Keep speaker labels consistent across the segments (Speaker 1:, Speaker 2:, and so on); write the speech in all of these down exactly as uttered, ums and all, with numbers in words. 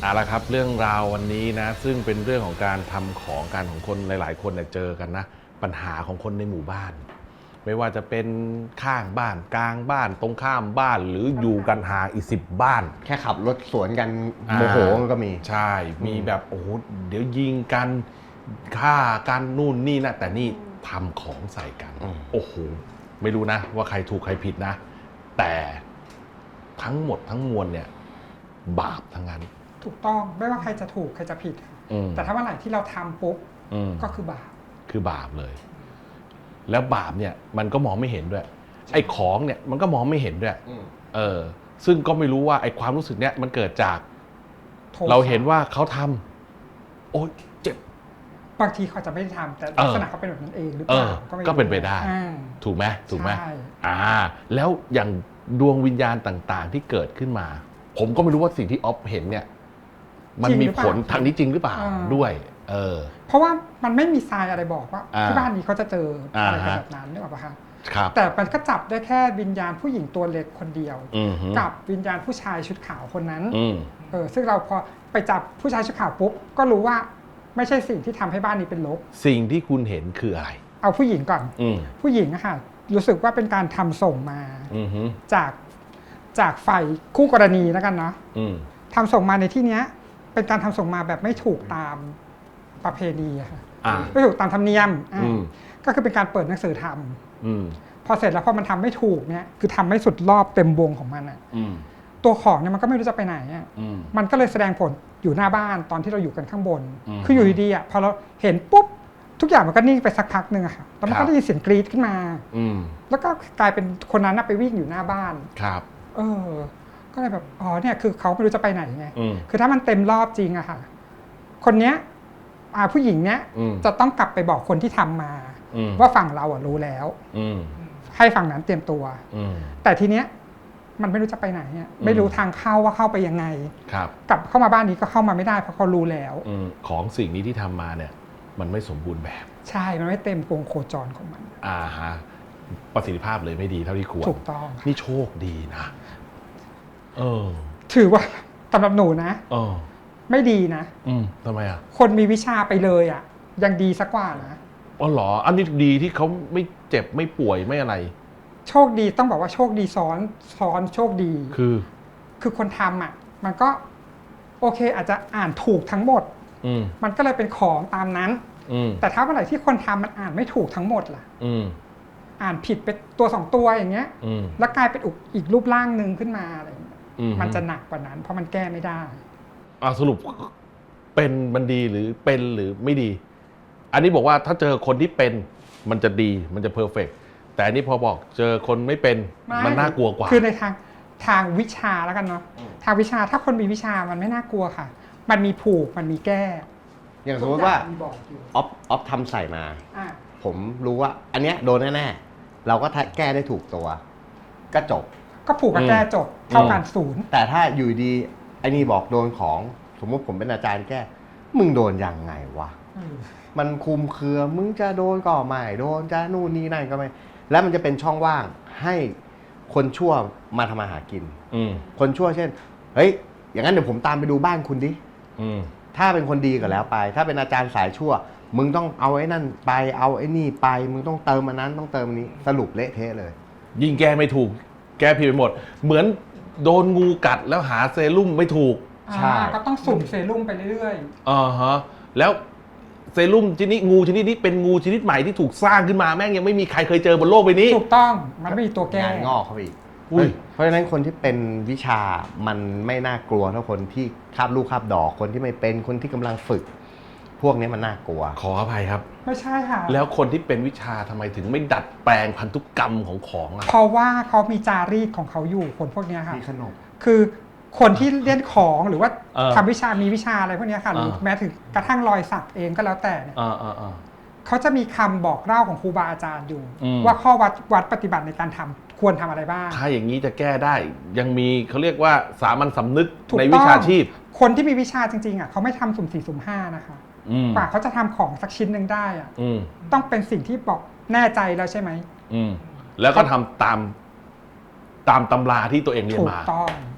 Speaker 1: เอาละครับเรื่องราววันนี้นะซึ่งเป็นเรื่องของการทำของการของคนหลายๆคนเนี่ยเจอกันนะปัญหาของคนในหมู่บ้าน ไม่ว่าจะเป็นข้างบ้านกลางบ้านตรงข้ามบ้านหรืออยู่กันห่างอีกสิบบ้าน
Speaker 2: แค่ขับรถสวนกันโมโหก็มี
Speaker 1: ใช่มีแบบโอ้โหเดี๋ยวยิงกันฆ่ากันนู่นนี่นะแต่นี่ทำของใส่กันโอ้โหไม่รู้นะว่าใครถูกใครผิดนะแต่ทั้งหมดทั้งมวลเนี่ยบาปทั้งนั้น
Speaker 3: ถูกต้องไม่ว่าใครจะถูกใครจะผิดแต่ถ้าเมื่อไหร่ที่เราทำปุ๊บก็คือบาป
Speaker 1: คือบาปเลยแล้วบาปเนี่ยมันก็มองไม่เห็นด้วยไอ้ของเนี่ยมันก็มองไม่เห็นด้วยเออซึ่งก็ไม่รู้ว่าไอ้ความรู้สึกเนี้ยมันเกิดจากเราเห็นว่าเขาทำโอ๊ยเจ็บบ
Speaker 3: างทีเขาจะไม่ได้ทำแต่ลักษณะเขาเป็นแบบนั้นเองหรือเปล่า
Speaker 1: ก็เป็นไปได้ถูกไหมถูกไหมอ่าแล้วอย่างดวงวิญญาณต่างๆที่เกิดขึ้นมาผมก็ไม่รู้ว่าสิ่งที่ออฟเห็นเนี่ยมันมีผลทางนี้จริงหรือเปล่าด้วยเออ
Speaker 3: เพราะว่ามันไม่มีทรายอะไรบอกว่าที่บ้านนี้เขาจะเจออะไรแบบนั้นนึกออกปะคะแต่มันก็จับได้แค่วิญญาณผู้หญิงตัวเล็กคนเดียวกับวิญญาณผู้ชายชุดขาวคนนั้นเออซึ่งเราพอไปจับผู้ชายชุดขาวปุ๊บก็รู้ว่าไม่ใช่สิ่งที่ทำให้บ้านนี้เป็นลบ
Speaker 1: สิ่งที่คุณเห็นคืออะไร
Speaker 3: เอาผู้หญิงก่อนผู้หญิงอะค่ะรู้สึกว่าเป็นการทำส่งมาจากจากฝ่ายคู่กรณีแล้วกันเนาะทำส่งมาในที่เนี้ยเป็นการทำส่งมาแบบไม่ถูกตามประเพณีอะค่ะไม่ถูกตามธรรมเนียมก็คือเป็นการเปิดหนังสือทำพอเสร็จแล้วพอมันทำไม่ถูกเนี่ยคือทำไม่สุดรอบเต็มวงของมันอะตัวของเนี่ยมันก็ไม่รู้จะไปไหนอะมันก็เลยแสดงผลอยู่หน้าบ้านตอนที่เราอยู่กันข้างบนคืออยู่ดีๆอะพอเราเห็นปุ๊บทุกอย่างมันก็นิ่งไปสักพักหนึ่งอะค่ะแล้วมันก็ได้ยินเสียงกรี๊ดขึ้นมาแล้วก็กลายเป็นคนนั้นไปวิ่งอยู่หน้าบ้าน
Speaker 1: ครับ
Speaker 3: เออก็เลยแบบอ๋อเนี่ยคือเขาไม่รู้จะไปไหนไงคือถ้ามันเต็มรอบจริงอะค่ะคนเนี้ยผู้หญิงเนี้ยจะต้องกลับไปบอกคนที่ทำมาว่าฝั่งเราอะรู้แล้วให้ฝั่งนั้นเตรียมตัวแต่ทีเนี้ยมันไม่รู้จะไปไหนเนี่ยไม่รู้ทางเข้าว่าเข้าไปยังไงกลับเข้ามาบ้านนี้ก็เข้ามาไม่ได้เพราะเขารู้แล้ว
Speaker 1: ของสิ่งนี้ที่ทำมาเนี่ยมันไม่สมบูรณ์แบบ
Speaker 3: ใช่มันไม่เต็มวงโคจรของมัน
Speaker 1: อ่าฮะประสิทธิภาพเลยไม่ดีเท่าที่ควร
Speaker 3: ถูกต้อง
Speaker 1: นี่โชคดีนะเออ
Speaker 3: ถือว่าสำหรับหนูนะ
Speaker 1: เออ
Speaker 3: ไม่ดีนะ
Speaker 1: อืมทำไมอ่ะ
Speaker 3: คนมีวิชาไปเลยอ่ะยังดีสักกว่านะ
Speaker 1: อ๋อเหรออันนี้ดีที่เขาไม่เจ็บไม่ป่วยไม่อะไร
Speaker 3: โชคดีต้องบอกว่าโชคดีซ้อนซ้อนโชคดี
Speaker 1: คือ
Speaker 3: คือคนทำอ่ะมันก็โอเคอาจจะอ่านถูกทั้งหมดมันก็เลยเป็นของตามนั้นแต่ถ้าเมื่อไหร่ที่คนทำมันอ่านไม่ถูกทั้งหมดล่ะอ่านผิดไปตัวสองตัวอย่างเงี้ยแล้วกลายเป็นอีกรูปร่างหนึ่งขึ้นมาอะไรอย่างเงี้ยมันจะหนักกว่านั้นเพราะมันแก้ไม่ได้
Speaker 1: อ่าสรุปเป็นมันดีหรือเป็นหรือไม่ดีอันนี้บอกว่าถ้าเจอคนที่เป็นมันจะดีมันจะเพอร์เฟกต์แต่อันนี้พอบอกเจอคนไม่เป็นมันน่ากลัวกว่า
Speaker 3: คือในทางทางวิชาแล้วกันเนาะทางวิชาถ้าคนมีวิชามันไม่น่ากลัวค่ะมันมีผูกมันมีแก้
Speaker 2: อย่างสมมติว่าออฟออฟทำใส่มาผมรู้ว่าอันเนี้ยโดนแน่ๆเราก็แก้ได้ถูกตัวก็จบ
Speaker 3: ก็ผูกกับแก้จบเท่ากันศูนย์
Speaker 2: แต่ถ้าอยู่ดีไอ้นี่บอกโดนของสมมติผมเป็นอาจารย์แก้มึงโดนยังไงวะมันคุมเครือมึงจะโดนก็ไม่โดนจะนู่นนี่นั่นก็ไม่แล้วมันจะเป็นช่องว่างให้คนชั่วมาทำมาหากินคนชั่วเช่นเฮ้ยอย่างนั้นเดี๋ยวผมตามไปดูบ้านคุณดิถ้าเป็นคนดีก็แล้วไปถ้าเป็นอาจารย์สายชั่วมึงต้องเอาไอ้นั่นไปเอาไอ้นี่ไปมึงต้องเติมอันนั้นต้องเติมอันนี้สรุปเละเทะเลย
Speaker 1: ยิ่งแก้ไม่ถูกแก้ผิดไปหมดเหมือนโดนงูกัดแล้วหาเซรุ่มไม่ถูก
Speaker 3: ใช่ก็ต้องสุ่มเซรุ่มไปเรื่อย
Speaker 1: ๆอ่าฮะแล้วเซรุ่มชนิดงูชนิดนี้เป็นงูชนิดใหม่ที่ถูกสร้างขึ้นมาแม่งยังไม่มีใครเคยเจอบนโลกใบนี้
Speaker 3: ถูกต้องมันไม่มีตัวแก้
Speaker 2: งานงอกเขาอีกเพราะฉะนั้นคนที่เป็นวิชามันไม่น่ากลัวเท่าคนที่คาบลูกคาบดอกคนที่ไม่เป็นคนที่กำลังฝึกพวกนี้มันน่ากลัว
Speaker 1: ขออภัยครับ
Speaker 3: ไม่ใช่ค่ะ
Speaker 1: แล้วคนที่เป็นวิชาทำไมถึงไม่ดัดแปลงพันธุกรรมของของอ่ะ
Speaker 3: เพราะว่าเขามีจารีตของเขาอยู่คนพวกนี้ค่ะ
Speaker 2: มีขนบ
Speaker 3: คือคนที่เรียนของหรือว่าทำวิชามีวิชาอะไรพวกนี้ค่ะหรือแม้ถึงกระทั่งรอยสักเองก็แล้วแต่เนี่ยเขาจะมีคำบอกเล่าของครูบาอาจารย์อยู่ว่าข้อวัดวัดปฏิบัติในการทำควรทำอะไรบ้าง
Speaker 1: ถ้าอย่างนี้จะแก้ได้ยังมีเขาเรียกว่าสามัญสำนึกในวิชาชีพ
Speaker 3: คนที่มีวิชาจริงๆอ่ะเขาไม่ทำสุ่มสี่สุ่มห้านะคะกว่าเขาจะทำของสักชิ้นหนึ่งได้อ่ะต้องเป็นสิ่งที่บอกแน่ใจแล้วใช่ไหม
Speaker 1: แล้วก็ทำตามตามตำราที่ตัวเองเรียนมา
Speaker 3: ถูกต้อง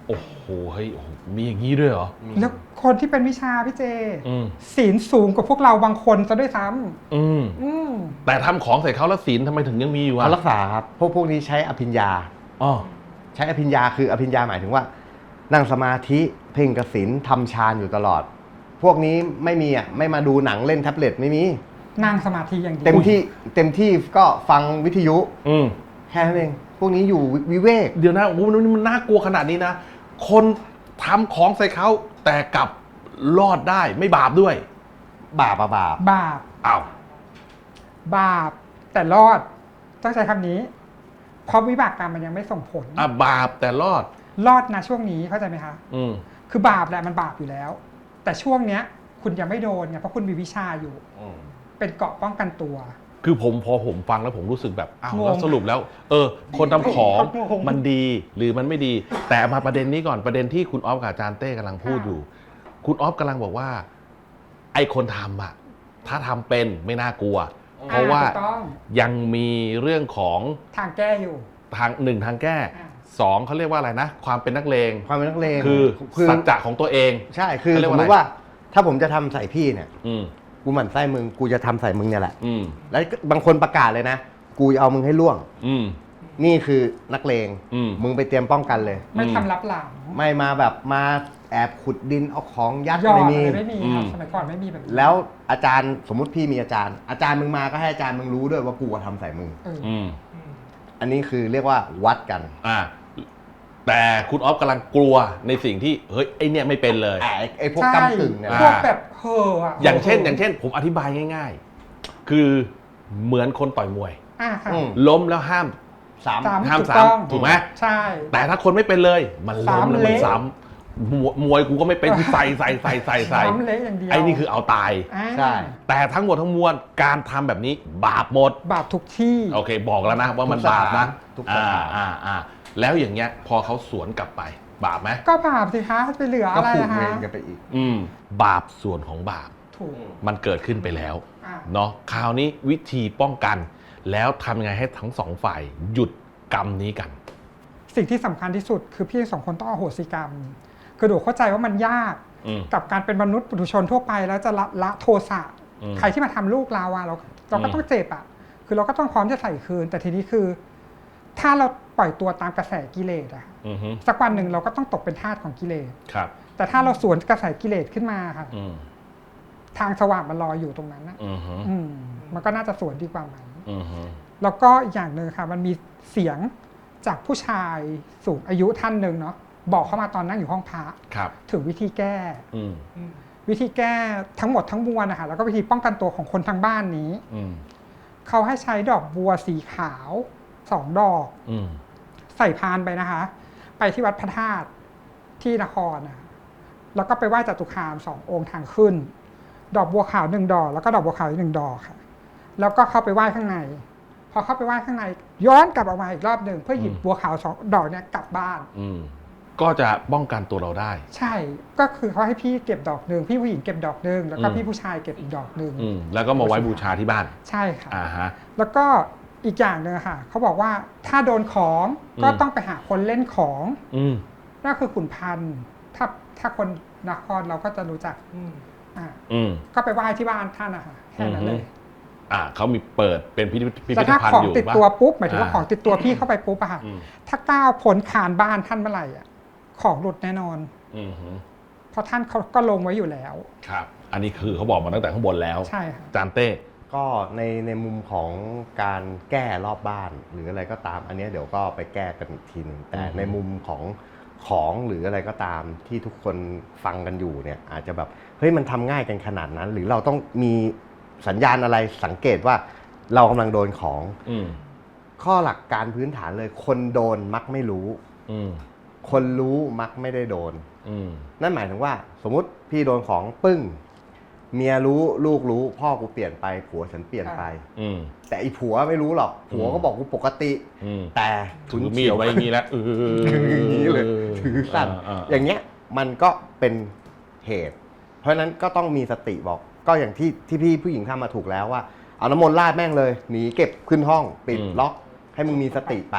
Speaker 1: โอ้โหเฮ้ยโอ้โหมีอย่างนี้ด้วยเหรอ
Speaker 3: แล้วคนที่เป็นวิชาพี่เจ
Speaker 1: อืม
Speaker 3: ศีลสูงกว่าพวกเราบางคนซะด้วยซ้
Speaker 1: อืม
Speaker 3: ำอืม
Speaker 1: แต่ทำของใส่เขาแล้วศีลทำไมถึงยังมีอยู่
Speaker 2: เขา
Speaker 1: อ่ะ
Speaker 2: รักษาครับพวกพวกนี้ใช้อภิญญา
Speaker 1: อ๋อ
Speaker 2: ใช้อภิญญาคืออภิญญาหมายถึงว่า นั่งสมาธิเพ่งกสิณทำฌานอยู่ตลอด พวกนี้ไม่มีอ่ะไม่มาดูหนังเล่นแท็บเล็ตไม่มี
Speaker 3: นั่งสมาธิอย่างเดียว
Speaker 2: เต็มที่เต็มที่ก็ฟังวิทยุ
Speaker 1: อืม
Speaker 2: แค่นั้นเองพวกนี้อยู่วิเวก
Speaker 1: เดี๋ยวนะโอ้โหมันมันน่ากลัวขนาดนี้นะ คนทำของใส่เขาแต่กลับรอดได้ไม่บาปด้วย
Speaker 2: บาปอะบาป
Speaker 3: บาป
Speaker 1: อ้าว
Speaker 3: บาปแต่รอดต้องใช้คำนี้ เพราะวิบากกรรมมันยังไม่ส่งผล
Speaker 1: อ่ะบาปแต่รอด
Speaker 3: รอดนะช่วงนี้เข้าใจไหมคะ
Speaker 1: อืม
Speaker 3: คือบาปแหละมันบาปอยู่แล้ว แต่ช่วงเนี้ย คุณยังไม่โดนไงเพราะคุณมีวิชาอยู่ เป็นเกราะป้องกันตัว
Speaker 1: คือผมพอผมฟังแล้วผมรู้สึกแบบอ้าว
Speaker 3: งง
Speaker 1: แล้วสรุปแล้ว เออ คนทำของ
Speaker 3: งง
Speaker 1: มันดีหรือมันไม่ดี แต่มาประเด็นนี้ก่อนประเด็นที่คุณออฟกับอาจารย์เต้กำลังพูดอยู่ คุณออฟกำลังบอกว่า ไอ้คนทำอะถ้าทำเป็นไม่น่ากลัว เพราะว่า
Speaker 3: อ่ถูกต้อง
Speaker 1: ยังมีเรื่องของ
Speaker 3: ทางแก้อยู่
Speaker 1: ทางหนึ่งทางแก้
Speaker 3: อ่า
Speaker 1: สองเขาเรียกว่าอะไรนะ ความเป็นนักเลง
Speaker 2: ความเป็นนักเลง
Speaker 1: คือ
Speaker 2: คือ
Speaker 1: สัจจะของตัวเอง
Speaker 2: ใช่คือ
Speaker 1: เขาเรีย
Speaker 2: ส
Speaker 1: ก
Speaker 2: ม
Speaker 1: ว่าอะไร
Speaker 2: มติว่า ถ้าผมจะทำใส่พี่เนี่ย
Speaker 1: อืม
Speaker 2: กูหมั่นไส้มึงกูจะทำใส่มึงเนี่ยแหละ
Speaker 1: อืม
Speaker 2: แล้วบางคนประกาศเลยนะ กูจะเอามึงให้ล่วง
Speaker 1: อืม
Speaker 2: นี่คือนักเลง
Speaker 1: อืม
Speaker 2: มึงไปเตรียมป้องกันเลย
Speaker 3: ไม่
Speaker 1: อืม
Speaker 3: ทำรับหลัง
Speaker 2: ไม่มาแบบมาแอบขุดดินเอาของยัด
Speaker 3: ยอด
Speaker 2: ไม่
Speaker 3: อะ
Speaker 2: มี
Speaker 3: ไรไม่มี
Speaker 1: อื
Speaker 3: ครับ
Speaker 1: ม
Speaker 3: สมัยก่อนไม่มีแบบนี้
Speaker 2: แล้วอาจารย์สมมติพี่มีอาจารย์ อาจารย์มึงมาก็ให้อาจารย์มึงรู้ด้วยว่ากูทำใส่มึง
Speaker 3: เออ
Speaker 1: อืม
Speaker 2: อันนี้คือเรียกว่าวัดกัน
Speaker 1: อ่า แต่คุณออฟกำลังกลัวในสิ่งที่ เฮ้ย ไอเนี่ยไม่เป็นเลย
Speaker 2: ไอ้ไอ้พวก
Speaker 3: ใช่
Speaker 2: กำกึ่งเนี่ย
Speaker 1: อ่า
Speaker 3: พวกแบบเห่ออะ
Speaker 1: อย่างเช่น
Speaker 3: ห่
Speaker 1: อย่างเช่น ผมอธิบายง่าย ๆ คือเหมือนคนต่อยมวย
Speaker 3: อ่าค่ะ
Speaker 2: อืม
Speaker 1: ล้มแล้วห้าม
Speaker 2: สาม
Speaker 3: สาม
Speaker 1: ห้าม
Speaker 3: ถูกต้อง
Speaker 1: ซ้ำถูกไหม
Speaker 3: ใช่
Speaker 1: แต่ถ้าคนไม่เป็นเลย มันล้มแล้วมัน
Speaker 3: ซ้ำเละ
Speaker 1: ซ้ำมวยมวยกูก็ไม่เป็นกูใส่ใส่ใส่ใส่ใส่
Speaker 3: ซ้ำเละอย่างเดียว
Speaker 1: ไอ้นี่คือเอาตาย
Speaker 3: า
Speaker 2: ใช่
Speaker 1: แต่ทั้งหมดทั้งมวลการทำแบบนี้บาปหมด
Speaker 3: บาปทุกที่
Speaker 1: โอเค บอกแล้วนะว่ามันบาปนะ
Speaker 2: ทุกส
Speaker 1: อ่า
Speaker 2: ถาน
Speaker 1: อ่าอ่าแล้วอย่างเงี้ย พอเขาสวนกลับไป บาปไหม
Speaker 3: ก็บาปสิคะไปเหลือ
Speaker 2: ก็
Speaker 3: อะไร
Speaker 2: ผูก
Speaker 3: อะ
Speaker 2: เว
Speaker 3: คะ
Speaker 2: รกันไปอีก
Speaker 1: อืม บาปส่วนของบาป
Speaker 3: ถูก
Speaker 1: มันเกิดขึ้นไปแล้ว
Speaker 3: อ่ะ
Speaker 1: เนาะคราวนี้วิธีป้องกัน แล้วทำยังไงให้ทั้งสองฝ่ายหยุดกรรมนี้กัน
Speaker 3: สิ่งที่สำคัญที่สุดคือพี่สองคนต้องอโหสิกรรม คือดูเข้าใจว่ามันยาก
Speaker 1: อืม
Speaker 3: กับการเป็นมนุษย์ปุถุชนทั่วไปแล้วจะละละโทสะ
Speaker 1: อืม
Speaker 3: ใครที่มาทำลูกเราอะเราเราก็
Speaker 1: อืม
Speaker 3: ต้องเจ็บอะคือเราก็ต้องพร้อมจะใส่คืน แต่ทีนี้คือ ถ้าเราปล่อยตัวตามกระแสกิเลสอะ
Speaker 1: อือฮึ
Speaker 3: สักวันหนึ่งเราก็ต้องตกเป็นทาสของกิเลส
Speaker 1: ครับ
Speaker 3: แต่ถ้าเราสวนกระแสกิเลสขึ้นมาค่ะ
Speaker 1: อืม
Speaker 3: ทางสว่างมันรออยู่ตรงนั้นนะ
Speaker 1: อือฮึ
Speaker 3: อืมมันก็น่าจะสวนดีกว่าไหม
Speaker 1: อือฮึ
Speaker 3: แล้วก็อีกอย่างหนึ่งค่ะ มันมีเสียงจากผู้ชายสูงอายุท่านหนึ่งเนาะบอกเข้ามาตอนนั่งอยู่ห้องพระ
Speaker 1: ครับ
Speaker 3: ถึงวิธีแก้
Speaker 1: อืม
Speaker 3: วิธีแก้ทั้งหมดทั้งมวลนะคะแล้วก็วิธีป้องกันตัวของคนทางบ้านนี้
Speaker 1: อืม
Speaker 3: เขาให้ใช้ดอกบัวสีขาวสองดอก
Speaker 1: อืม
Speaker 3: ใส่พานไปนะคะ ไปที่วัดพระธาตุที่นครนะคะแล้วก็ไปไหว้จตุคามสององค์ทางขึ้น ดอกบัวขาวหนึ่งดอก แล้วก็ดอกบัวขาวอีกหนึ่งดอกค่ะ แล้วก็เข้าไปไหว้ข้างใน พอเข้าไปไหว้ข้างใน ย้อนกลับออกมาอีกรอบหนึ่งเพื่อหยิบบัวขาวสองดอกเนี่ยกลับบ้าน
Speaker 1: อืม ก็จะป้องกันตัวเราได้
Speaker 3: ใช่ ก็คือเขาให้พี่เก็บดอกหนึ่งพี่ผู้หญิงเก็บดอกหนึ่งแล้วก็
Speaker 1: อืม
Speaker 3: พี่ผู้ชายเก็บอีกดอกหนึ่ง
Speaker 1: อืม แล้วก็มาไว้บูชาที่บ้าน
Speaker 3: ใช่ค่ะ
Speaker 1: อ่าฮะ
Speaker 3: แล้วก็อีกอย่างหนึ่งค่ะเขาบอกว่าถ้าโดนของก็
Speaker 1: อืม
Speaker 3: ต้องไปหาคนเล่นของ
Speaker 1: อืม
Speaker 3: นั่นคือขุนพันธ์ถ้าถ้าคนนครเราก็จะรู้จักอ่า
Speaker 1: อืม
Speaker 3: ก็ไปไหว้ที่บ้านท่านนะคะแค่นั้นเลย
Speaker 1: อ่าเขามีเปิดเป็นพิพิธพิ
Speaker 3: แต่
Speaker 1: พิธ
Speaker 3: ถ้า
Speaker 1: ภัณ
Speaker 3: ขอ
Speaker 1: ฑ์
Speaker 3: ง
Speaker 1: อยู่
Speaker 3: ติด
Speaker 1: ป่ะ
Speaker 3: ตัวปุ๊บหมายถึงว่า
Speaker 1: อ่า
Speaker 3: ของติดตัวพี่เข้าไปปุ๊บอะค่ะ
Speaker 1: อืม
Speaker 3: ถ้าก้าวพ้นคานบ้านท่านเมื่อไหร่อ่ะของหลุดแน่นอน
Speaker 1: อืมฮึ
Speaker 3: เพราะท่านเขาก็ลงไว้อยู่แล้ว
Speaker 1: ครับ อันนี้คือเขาบอกมาตั้งแต่ข้างบนแล้ว
Speaker 3: ใช่ค่ะ
Speaker 1: จานเต้
Speaker 2: ก็ในในมุมของการแก้รอบบ้าน หรืออะไรก็ตาม อันเนี้ยเดี๋ยวก็ไปแก้กันอีกทีหนึ่งแต่
Speaker 1: อือฮึ
Speaker 2: ในมุมของของหรืออะไรก็ตามที่ทุกคนฟังกันอยู่เนี่ย อาจจะแบบเฮ้ยมันทำง่ายกันขนาดนั้น หรือเราต้องมีสัญญาณอะไรสังเกตว่าเรากำลังโดนของ
Speaker 1: อืม
Speaker 2: ข้อหลักการพื้นฐานเลย คนโดนมักไม่รู้
Speaker 1: อืม
Speaker 2: คนรู้มักไม่ได้โดน
Speaker 1: อืม
Speaker 2: นั่นหมายถึงว่า สมมุติพี่โดนของปึ้ง เมียรู้ลูกรู้ พ่อกูเปลี่ยนไปผัวฉันเปลี่ยนไป
Speaker 1: อืม
Speaker 2: แต่อีผัวไม่รู้หรอก ผัวก็บอกกูปกติ
Speaker 1: อืม
Speaker 2: แต่
Speaker 1: ถื
Speaker 2: ฉุ
Speaker 1: อน มีด
Speaker 2: เฉียว
Speaker 1: ไว้อย่างนี้แล้วเออ
Speaker 2: คืออย่างนี้เลยถือสั่น
Speaker 1: อ่าๆ
Speaker 2: อย่างเงี้ยมันก็เป็นเหตุ เพราะฉะนั้นก็ต้องมีสติบอก ก็อย่างที่ที่พี่ผู้หญิงทำมาถูกแล้วว่าเอาน้ำมนต์ราดแม่งเลยหนีเก็บขึ้นห้องปิดล็อก ให้มึงมีสติไปพอ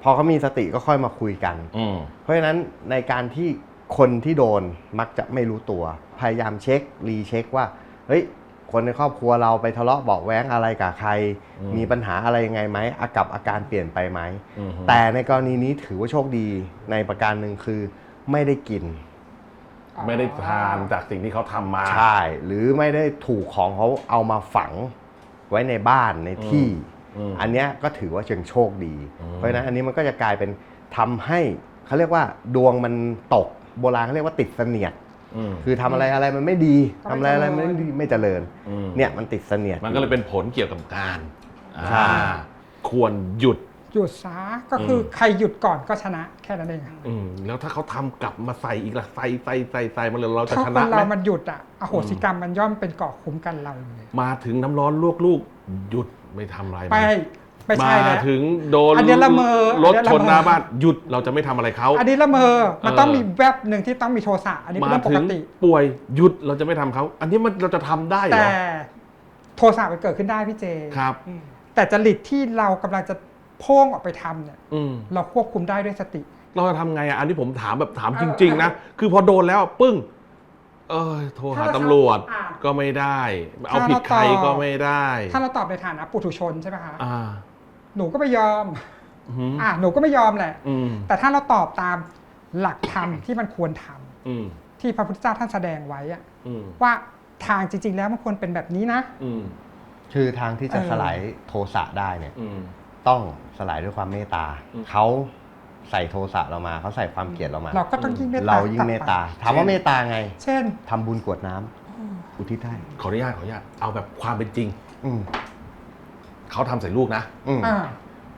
Speaker 2: อเขามีสติก็ค่อยมาคุยกัน
Speaker 1: อืม
Speaker 2: เพราะฉะนั้นในการที่คนที่โดนมักจะไม่รู้ตัว พยายามเช็ครีเช็คว่าเฮ้ยคนในครอบครัวเราไปทะเลาะเบาะแว้งอะไรกับใคร
Speaker 1: อืม
Speaker 2: มีปัญหาอะไรยังไงไหมอากับอาการเปลี่ยนไปไหม
Speaker 1: อืม
Speaker 2: แต่ในกรณีนี้ถือว่าโชคดีในประการหนึ่งคือไม่ได้กิน
Speaker 1: ไม่ได้ทานจากสิ่งที่เขาทำมา
Speaker 2: ใช่ หรือไม่ได้ถูกของเขาเอามาฝังไว้ในบ้านในที่
Speaker 1: อืม
Speaker 2: อันเนี้ยก็ถือว่าเชิงโชคดี
Speaker 1: อืม
Speaker 2: เพราะฉะนั้นอันนี้มันก็จะกลายเป็นทำให้เขาเรียกว่าดวงมันตกโบราณเขาเรียกว่าติดเสนียด
Speaker 1: อืม
Speaker 2: คือทำอะไรอะไรมันไม่ดีทำอะไรอะไรมันไม่ดีไม่เจริญ
Speaker 1: อืม
Speaker 2: เนี่ยมันติดเสนียด
Speaker 1: มันก็เลยเป็นผลเกี่ยวกับการ
Speaker 2: ใช่
Speaker 1: อ่าควรหยุด
Speaker 3: หยุดซะก็คืออ
Speaker 1: ม
Speaker 3: ใครหยุดก่อนก็ชนะแค่นั้นเองอะ
Speaker 1: อืมแล้วถ้าเขาทำกลับมาใส่อีกล่ะใส่ใส่ใส่ใส่มาเลยเราจะ
Speaker 3: ถ้า
Speaker 1: ช
Speaker 3: ค
Speaker 1: นะ
Speaker 3: น
Speaker 1: ไห
Speaker 3: เรา
Speaker 1: ม
Speaker 3: มันหยุดอ่ะอโหสิกรรมมันย่อมเป็นเกราะคุ้มกันเราเลย
Speaker 1: มาถึงน้ำร้อนลวกลูกหยุดไม่ทำอะไรมัน
Speaker 3: ไปไม่ใช่
Speaker 1: มา
Speaker 3: แล้ว
Speaker 1: ถึงโดน
Speaker 3: อันเนี้ยละเมอ
Speaker 1: รถ
Speaker 3: อันเนี้ย
Speaker 1: ช
Speaker 3: ละ
Speaker 1: น
Speaker 3: เมอ
Speaker 1: หน้าบ้านหยุดเราจะไม่ทำอะไรเขา
Speaker 3: อันนี้ละเมอมัน
Speaker 1: เออ
Speaker 3: ต้องมีแวบหนึ่งที่ต้องมีโทสะอันนี้เป็น
Speaker 1: มา
Speaker 3: เรื่องป
Speaker 1: ถึ
Speaker 3: ก
Speaker 1: ง
Speaker 3: ติ
Speaker 1: ป่วยหยุดเราจะไม่ทำเขาอันนี้มันเราจะทำได้เหร
Speaker 3: แต่
Speaker 1: อ
Speaker 3: โทสะมันเกิดขึ้นได้พี่เจ
Speaker 1: ครับ
Speaker 3: แต่จริตที่เรากำลังจะโพ่งออกไปทำเนี่ย
Speaker 1: อืม
Speaker 3: เราควบคุมได้ด้วยสติ
Speaker 1: เราจะทำไงอ่ะอันนี้ผมถามแบบถาม
Speaker 3: เออ
Speaker 1: จริง ๆ นะ คือพอโดนแล้วปึ้ง เออโทรหา
Speaker 3: ถ้าเรา
Speaker 1: ตำรวจ
Speaker 3: อ่า
Speaker 1: ก็ไม่ได้ เอา
Speaker 3: ถ้า
Speaker 1: ผิด
Speaker 3: เรา
Speaker 1: ใคร
Speaker 3: ตอบ
Speaker 1: ก็ไม่ได้
Speaker 3: ถ้าเราตอบในฐานะปุถุชนใช่ไหมคะ
Speaker 1: อ่า
Speaker 3: หนูก็ไม่ยอม
Speaker 1: อืม
Speaker 3: อ่ะหนูก็ไม่ยอมแหละ
Speaker 1: อืม
Speaker 3: แต่ถ้าเราตอบตามหลักธรรมที่มันควรทำ
Speaker 1: อืม
Speaker 3: ที่พระพุทธเจ้าท่านแสดงไว้อะ
Speaker 1: อืม
Speaker 3: ว่าทางจริง ๆ แล้วมันควรเป็นแบบนี้นะ
Speaker 1: อืม
Speaker 2: คือทางที่จะ
Speaker 3: เออ
Speaker 2: สลายโทสะได้เนี่ย
Speaker 1: อืม
Speaker 2: ต้องสลายด้วยความเมตตา
Speaker 1: อืม
Speaker 2: เขาใส่โทสะเรามาเขาใส่ความเกลียดเรามา
Speaker 3: เราก็ต้องยิ่งเมตตา
Speaker 2: เรายิ่งเมตตา ถามว่าเมตตาไง
Speaker 3: เช่น
Speaker 2: ทำบุญกรวดน้ำอุทิศให้
Speaker 1: ขออนุญาตขออนุญาตเอาแบบความเป็นจริง
Speaker 2: อืม
Speaker 1: เขาทำใส่ลูกนะ
Speaker 2: อืม
Speaker 3: อ่า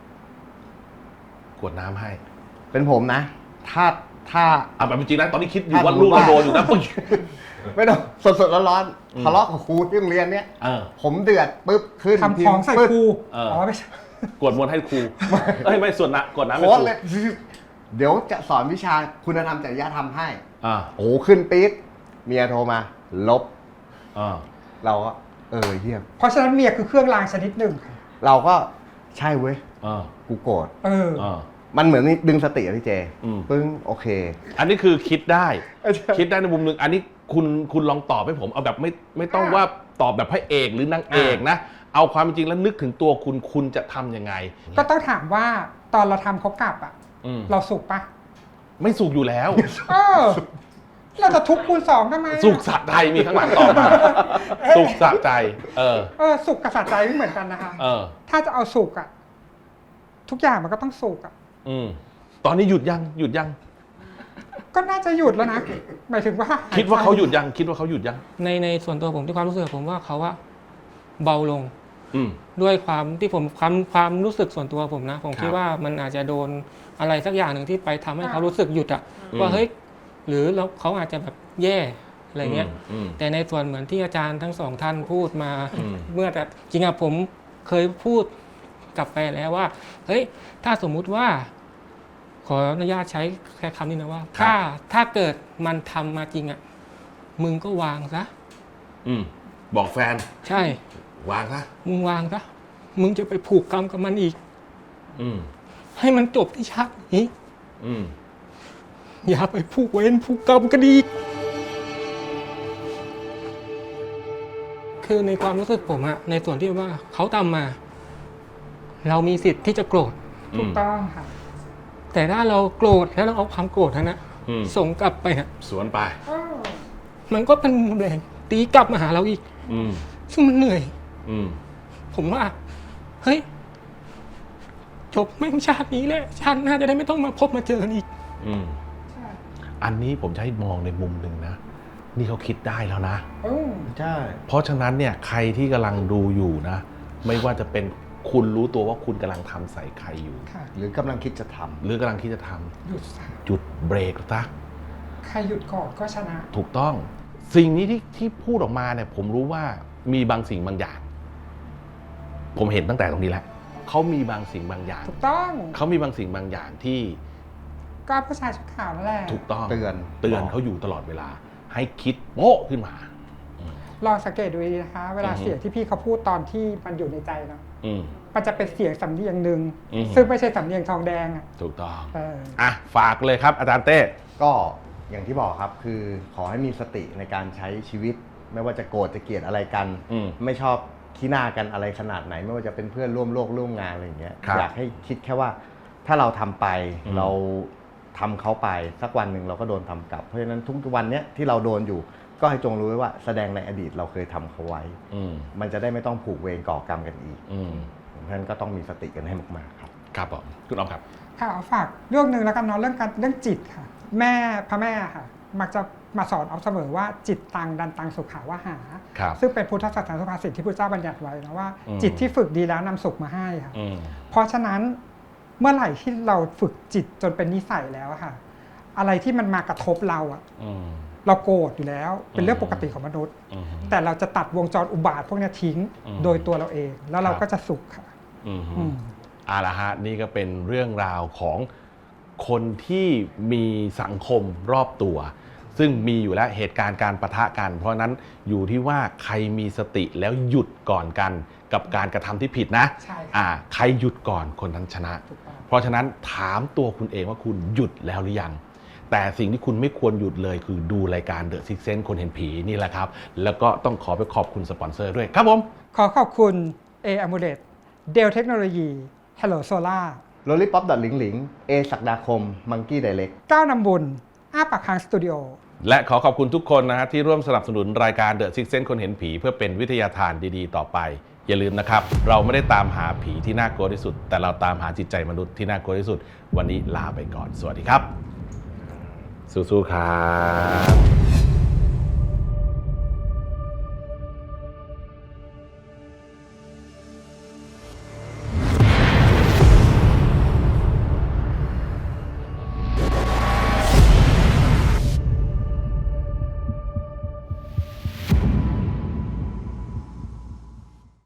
Speaker 1: กรวดน้ำให้
Speaker 2: เป็นผมนะ ถ้าถ้า
Speaker 1: เอาแบบเป็นจริงนะตอนนี้คิดอยู่
Speaker 2: ถ้า
Speaker 1: ว่า
Speaker 2: สมมุ
Speaker 1: ลู
Speaker 2: ติ
Speaker 1: กเรา
Speaker 2: ว่า
Speaker 1: โดนอยู่นะปึ๊ง
Speaker 2: ไม่ต้องสดสดๆร้อน
Speaker 1: อืม
Speaker 2: ๆทะเลาะกับครูที่โรงเรียนเนี้ย
Speaker 1: เออ
Speaker 2: ผมเดือดปุ๊บขึ้น
Speaker 3: ทำของใส่
Speaker 2: ปึ๊บ
Speaker 3: ครู
Speaker 1: เอออ๋
Speaker 3: อ๋อไม่ใช่
Speaker 1: กรวดมนต์ให้ครูเอ้ยไม่ส่วนนะกรวดน้ำให้
Speaker 2: โค้
Speaker 1: ค
Speaker 2: ด
Speaker 1: รู
Speaker 2: เลย เดี๋ยวจะสอนวิชาคุณธรรมจริยธรรมให้
Speaker 1: อ่า
Speaker 2: โอ้โหขึ้นปี๊ดเมียโทรมา ลบ
Speaker 1: อ่า
Speaker 2: เราก็เออเยี่ยม
Speaker 3: เพราะฉะนั้นเมียคือเครื่องรางชนิดหนึ่ง
Speaker 2: เราก็ใช่เว้ย
Speaker 1: อ่า
Speaker 2: กูโกรธ
Speaker 3: เออ
Speaker 1: อ่า
Speaker 2: มันเหมือนดึงสติอะพี่เจ
Speaker 1: อืม
Speaker 2: ปึ้งโอเค
Speaker 1: อันนี้คือคิดได้
Speaker 2: เออใช่
Speaker 1: คิดได้ในมุมหนึ่งอันนี้คุณคุณลองตอบให้ผมเอาแบบไม่ไม่ต้องว่าตอบแบบพระเอกหรือนางเอกนะ เอาความเป็นจริงแล้วนึกถึงตัวคุณคุณจะทำยังไง
Speaker 3: ก็ต้องถามว่าตอนเราทำเขากลับอ่ะ
Speaker 1: อืม
Speaker 3: เราสุขปะ
Speaker 1: ไม่สุขอยู่แล้ว
Speaker 3: เออ เราจะทุกข์คูณสองทำไมอะ
Speaker 1: สุขสะใจมีข้างหลังต่อมา สุขสะใจ เออ
Speaker 3: เออสุขกับสะใจไม่เหมือนกันนะคะ
Speaker 1: เออ
Speaker 3: ถ้าจะเอาสุขอ่ะ ทุกอย่างมันก็ต้องสุขอ่ะ
Speaker 1: อืมตอนนี้หยุดยังหยุดยัง
Speaker 3: ก็น่าจะหยุดแล้วนะหมายถึงว่า
Speaker 1: คิดว่าเขาหยุดยังคิดว่าเขาหยุดยัง
Speaker 4: ในในส่วนตัวผมที่ความรู้สึกผมว่าเขาว่าเบาลง
Speaker 1: อืม
Speaker 4: ด้วยความที่ผมความความรู้สึกส่วนตัวผมนะ ผมคิด
Speaker 1: ครับ
Speaker 4: ว่ามันอาจจะโดนอะไรสักอย่างหนึ่งที่ไปทำให้เขารู้สึกหยุดอะ
Speaker 1: อืม
Speaker 4: ว่าเฮ้ยหรือแล้วเขาอาจจะแบบแย่อะไรเงี้ย
Speaker 1: อืม
Speaker 4: แต่ในส่วนเหมือนที่อาจารย์ทั้งสองท่านพูดมา
Speaker 1: อืม
Speaker 4: เมื่อแต่จริงอะผมเคยพูดกลับไปแล้วว่าเฮ้ยถ้าสมมุติว่า ขออนุญาตใช้แค่คำนี้นะว่า ถ้าถ้าเกิดมันทำมาจริงอะมึงก็วางซะ
Speaker 1: อืมบอกแฟน
Speaker 4: ใช่
Speaker 1: วางซะ
Speaker 4: มึงวางซะมึงจะไปผูกกรรมกับมันอีก
Speaker 1: อืม
Speaker 4: ให้มันจบที่ชาตินี้
Speaker 1: อืม
Speaker 4: อย่าไปผูกเวรผูกกรรมกันอีก คือในความรู้สึกผมอะในส่วนที่ว่าเขาทำมา เรามีสิทธิ์ที่จะโกรธ
Speaker 3: ถูกต้องค่ะ
Speaker 4: แต่ถ้าเราโกรธแล้วเราเอาความโกรธนั้นนะ
Speaker 1: อืม
Speaker 4: ส่งกลับไปอะ
Speaker 1: สวนไป
Speaker 4: มันก็เป็นแรงตีกลับมาหาเราอีก
Speaker 1: อืม
Speaker 4: ซึ่งมันเหนื่อย
Speaker 1: อืม
Speaker 4: ผมว่า เฮ้ย จบแม่งชาตินี้แหละชาติหน้าจะได้ไม่ต้องมาพบมาเจอกันอีก
Speaker 1: อืม อันนี้ผมจะให้มองในมุมหนึ่งนะ นี่เขาคิดได้แล้วนะ
Speaker 3: อืม
Speaker 2: ใช่
Speaker 1: เพราะฉะนั้นเนี่ยใครที่กำลังดูอยู่นะ ไม่ว่าจะเป็นคุณรู้ตัวว่าคุณกำลังทำใส่ใครอยู่
Speaker 3: ค่ะ
Speaker 2: หรือกำลังคิดจะทำ
Speaker 1: หรือกำลังคิดจะทำ
Speaker 3: หยุดซะ
Speaker 1: หยุดเบรกซะ
Speaker 3: ใครหยุดก่อนก็ชนะ
Speaker 1: ถูกต้อง สิ่งนี้ที่ที่พูดออกมาเนี่ย ผมรู้ว่ามีบางสิ่งบางอย่าง ผมเห็นตั้งแต่ตรงนี้แล้วเขามีบางสิ่งบางอย่าง
Speaker 3: ถูกต้อง
Speaker 1: เขามีบางสิ่งบางอย่างที่
Speaker 3: ก็ผู้ชายชุดขาวนั่นแหละ
Speaker 1: ถูกต้อง
Speaker 2: เตือน
Speaker 1: เตือนเขาอยู่ตลอดเวลา ให้คิดโป๊ะขึ้นมา
Speaker 3: ลองสังเกตดูดีนะคะ เวลา
Speaker 1: อือฮึ
Speaker 3: เสียงที่พี่เขาพูดตอนที่มันอยู่ในใจเนาะ
Speaker 1: อืม
Speaker 3: มันจะเป็นเสียงสำเนียงหนึ่ง
Speaker 1: อืม
Speaker 3: ซึ่งไม่ใช่สำเนียงทองแดงอ่ะ
Speaker 1: ถูกต้อง
Speaker 3: เออ
Speaker 1: อ่ะฝากเลยครับอาจารย์เต้
Speaker 2: ก็อย่างที่บอกครับคือขอให้มีสติในการใช้ชีวิต ไม่ว่าจะโกรธจะเกลียดอะไรกัน
Speaker 1: อืม
Speaker 2: ไม่ชอบขี้หน้ากันอะไรขนาดไหน ไม่ว่าจะเป็นเพื่อนร่วมโลกร่วมงานอะไรอย่างเงี้ย
Speaker 1: ครับ
Speaker 2: อยากให้คิดแค่ว่าถ้าเราทำไป
Speaker 1: อืม
Speaker 2: เราทำเขาไปสักวันหนึ่งเราก็โดนทำกลับ เพราะฉะนั้นทุกวันเนี้ยที่เราโดนอยู่ ก็ให้จงรู้ไว้ว่าแสดงในอดีตเราเคยทำเขาไว้
Speaker 1: อืม
Speaker 2: มันจะได้ไม่ต้องผูกเวรก่อกรรมกันอีก
Speaker 1: อืม
Speaker 2: เพราะฉะนั้นก็ต้องมีสติกันให้มากๆครับ
Speaker 1: ครับผมคุณออมครับ
Speaker 3: ค่ะเอาฝากเรื่องหนึ่งแล้วกันเนาะเรื่องการเรื่องจิตค่ะ แม่พระแม่ค่ะ มักจะมาสอนเอาเสมอว่าจิตตังดันตังสุขาวหา
Speaker 1: ครับ
Speaker 3: ซึ่งเป็นพุทธศาสนาสุภาษิตที่พระเจ้าบัญญัติไว้นะว่า
Speaker 1: อืม
Speaker 3: จิตที่ฝึกดีแล้วนำสุขมาให้ค่ะ
Speaker 1: อืม
Speaker 3: เพราะฉะนั้นเมื่อไหร่ที่เราฝึกจิตจนเป็นนิสัยแล้วอะค่ะ อะไรที่มันมากระทบเราอะ
Speaker 1: อืม
Speaker 3: เราโกรธอยู่แล้ว เป็นเรื่องปกติของมนุษย์
Speaker 1: อืม
Speaker 3: แต่เราจะตัดวงจรอุบาทพวกเนี้ยทิ้ง
Speaker 1: อืม
Speaker 3: โดยตัวเราเอง แล้วเรา
Speaker 1: ครับ
Speaker 3: ก็จะสุขค่ะ
Speaker 1: อืม
Speaker 3: อืม
Speaker 1: เอาละฮะนี่ก็เป็นเรื่องราวของคนที่มีสังคมรอบตัว ซึ่งมีอยู่แล้วเหตุการณ์การประทะกัน เพราะฉะนั้นอยู่ที่ว่าใครมีสติแล้วหยุดก่อนกันกับการกระทำที่ผิดนะ
Speaker 3: ใช่ค่ะ
Speaker 1: อ่าใครหยุดก่อนคนนั้นชนะ
Speaker 3: ถูกต้อง
Speaker 1: เพราะฉะนั้นถามตัวคุณเองว่าคุณหยุดแล้วหรือยัง แต่สิ่งที่คุณไม่ควรหยุดเลยคือดูรายการ The Sixth Sense คนเห็นผีนี่แหละครับ แล้วก็ต้องขอไปขอบคุณสปอนเซอร์ด้วยครับผม
Speaker 3: ขอขอบคุณ A Amulet Dell Technology Hello Solar
Speaker 2: โรลลี่ป๊อปดอทหลิงหลิงเอศักดาคมมังกี้ไดเล็ก
Speaker 3: ก้าวนำบุญอ้าปากค้างสตูดิโอ
Speaker 1: และขอขอบคุณทุกคนนะฮะที่ร่วมสนับสนุนรายการ The Sixth Sense คนเห็นผีเพื่อเป็นวิทยาทานดีๆ ต่อไป อย่าลืมนะครับ เราไม่ได้ตามหาผีที่น่ากลัวที่สุด แต่เราตามหาจิตใจมนุษย์ที่น่ากลัวที่สุด วันนี้ลาไปก่อน สวัสดีครับ สู้ๆครับ